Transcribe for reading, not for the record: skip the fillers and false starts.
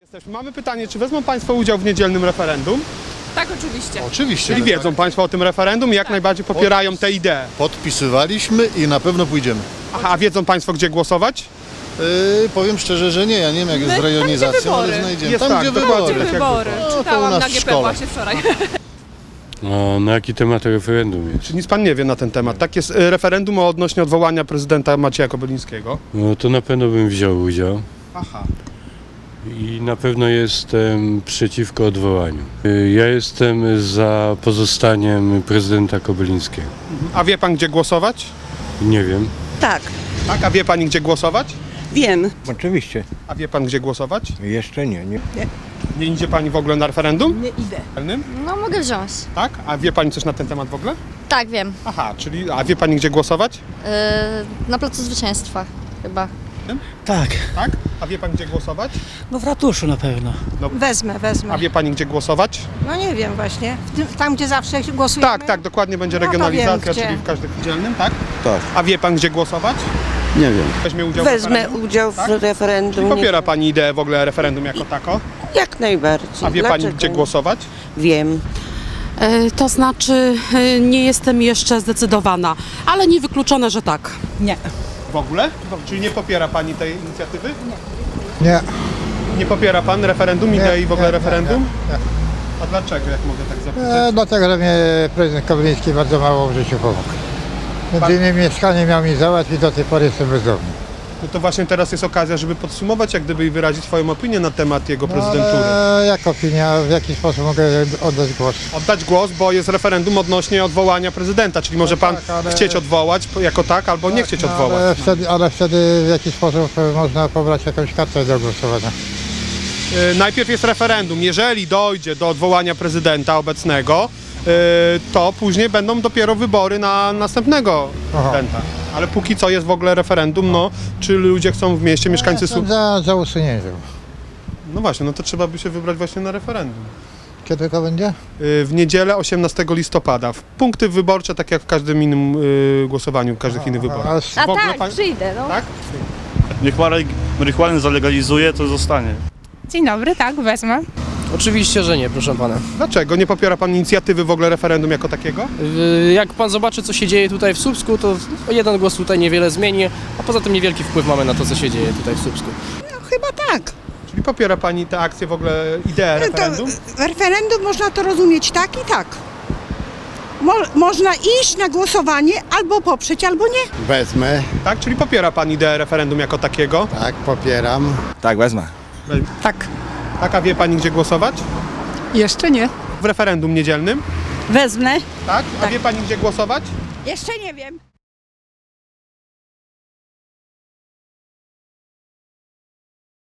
Mamy pytanie, czy wezmą Państwo udział w niedzielnym referendum? Tak, oczywiście. Oczywiście. Czyli wiedzą Państwo o tym referendum i jak najbardziej popierają tę ideę. Podpisywaliśmy i na pewno pójdziemy. Aha, a wiedzą Państwo, gdzie głosować? Powiem szczerze, że nie. Ja nie wiem, jak jest z Tam, gdzie rejonizacją, ale wybory. znajdziemy. Jest Tam, tak, gdzie dokładnie. wybory. Gdzie wybory? No, to u Czytałam nas na w GP szkole. właśnie wczoraj. A na jaki temat referendum jest? Czy nic Pan nie wie na ten temat? Tak jest referendum odnośnie odwołania prezydenta Macieja Kobylińskiego. No to na pewno bym wziął udział Aha. i na pewno jestem przeciwko odwołaniu. Ja jestem za pozostaniem prezydenta Kobylińskiego. A wie Pan, gdzie głosować? Nie wiem. Tak, Tak, a wie Pani, gdzie głosować? wiem. Oczywiście. A wie Pan, gdzie głosować? Jeszcze nie. Nie idzie Pani w ogóle na referendum? Nie idę. No mogę wziąć. Tak? A wie Pani coś na ten temat w ogóle? Tak, wiem. Aha, czyli, a wie Pani, gdzie głosować? Na Placu Zwycięstwa chyba. Tak. Tak? A wie Pani, gdzie głosować? No w ratuszu na pewno. Wezmę. A wie Pani, gdzie głosować? No nie wiem właśnie. Tam, gdzie zawsze głosujemy. Tak, tak, dokładnie będzie No to regionalizacja, wiem, gdzie. czyli w każdym dzielnym, tak? Tak. A wie Pan, gdzie głosować? Nie wiem. Weźmie udział w Wezmę referendum? udział w Tak? referendum. Czyli popiera Pani ideę w ogóle referendum jako tako? Jak najbardziej. A wie Pani, Dlaczego gdzie nie? głosować? Wiem. To znaczy nie jestem jeszcze zdecydowana, ale niewykluczone, że tak. Nie. W ogóle? Czyli nie popiera Pani tej inicjatywy? Nie. Nie popiera Pan referendum, idei w ogóle referendum? A dlaczego, jak mogę tak zapytać? Dlatego, że mnie prezydent Kobyliński bardzo mało w życiu pomógł. Między innymi mieszkanie miał mi załatwić, do tej pory jestem bezdomny. No to właśnie teraz jest okazja, żeby podsumować, jak gdyby i wyrazić swoją opinię na temat jego prezydentury. Ale jak opinia, w jaki sposób mogę oddać głos? Oddać głos, bo jest referendum odnośnie odwołania prezydenta, czyli może Pan tak, ale- chcieć odwołać jako tak, albo nie chcieć odwołać. Ale wtedy w jaki sposób można pobrać jakąś kartę do głosowania? Najpierw jest referendum. Jeżeli dojdzie do odwołania prezydenta obecnego, to później będą dopiero wybory na następnego prezydenta. Ale póki co jest w ogóle referendum, no, czy ludzie chcą w mieście, mieszkańcy... Jestem za usunięciem. No właśnie, no to trzeba by się wybrać właśnie na referendum. Kiedy to będzie? W niedzielę 18 listopada. Punkty wyborcze, tak jak w każdym innym głosowaniu, w każdych innych wyborach. Ale W ogóle tak, przyjdę, no. Tak? Niech marihuanę zalegalizuje, to zostanie. Dzień dobry, tak, wezmę. Oczywiście, że nie, proszę pana. Dlaczego? Nie popiera Pan inicjatywy w ogóle referendum jako takiego? Jak pan zobaczy, co się dzieje tutaj w Słupsku, to jeden głos tutaj niewiele zmieni, a poza tym niewielki wpływ mamy na to, co się dzieje tutaj w Słupsku. Chyba tak. Czyli popiera Pani tę akcję, w ogóle ideę referendum? Referendum można to rozumieć tak i tak. Można iść na głosowanie albo poprzeć, albo nie. Wezmę. Tak? Czyli popiera Pan ideę referendum jako takiego? Tak, popieram. Tak, wezmę. Tak. Tak, a wie Pani, gdzie głosować? Jeszcze nie. W referendum niedzielnym? Wezmę. Tak? A wie Pani, gdzie głosować? Jeszcze nie wiem.